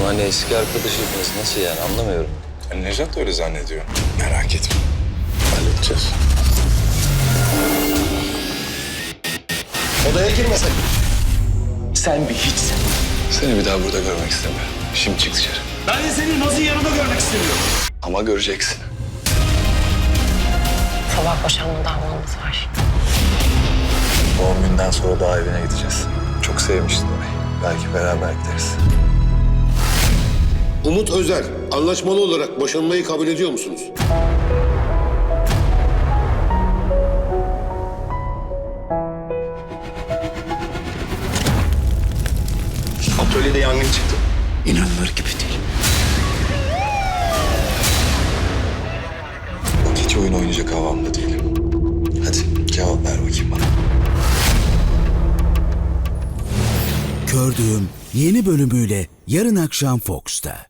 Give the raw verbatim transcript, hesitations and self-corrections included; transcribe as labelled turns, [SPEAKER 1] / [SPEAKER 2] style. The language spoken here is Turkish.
[SPEAKER 1] hani eski arkadaşıydınız, nasıl yani, anlamıyorum.
[SPEAKER 2] Yani Nejat da öyle zannediyor. Merak etme. Halledeceğiz.
[SPEAKER 3] Odaya girmesek.
[SPEAKER 4] Sen bir hiçsin.
[SPEAKER 2] Seni bir daha burada görmek istemiyorum. Şimdi çık dışarı.
[SPEAKER 4] Ben de seni Naz'ın yanında görmek istemiyorum.
[SPEAKER 2] Ama göreceksin.
[SPEAKER 5] Sabah boşanma davamız var.
[SPEAKER 2] Doğum günden sonra daha evine gideceğiz. Çok sevmiştin orayı. Belki beraber gideriz.
[SPEAKER 3] Umut Özer, anlaşmalı olarak boşanmayı kabul ediyor musunuz?
[SPEAKER 4] Atölyede yangın çıktı.
[SPEAKER 2] İnanılır gibi değil. Hiç oyun oynayacak havamda değilim. Hadi cevap ver bakayım bana.
[SPEAKER 6] Kördüğüm yeni bölümüyle yarın akşam Fox'ta.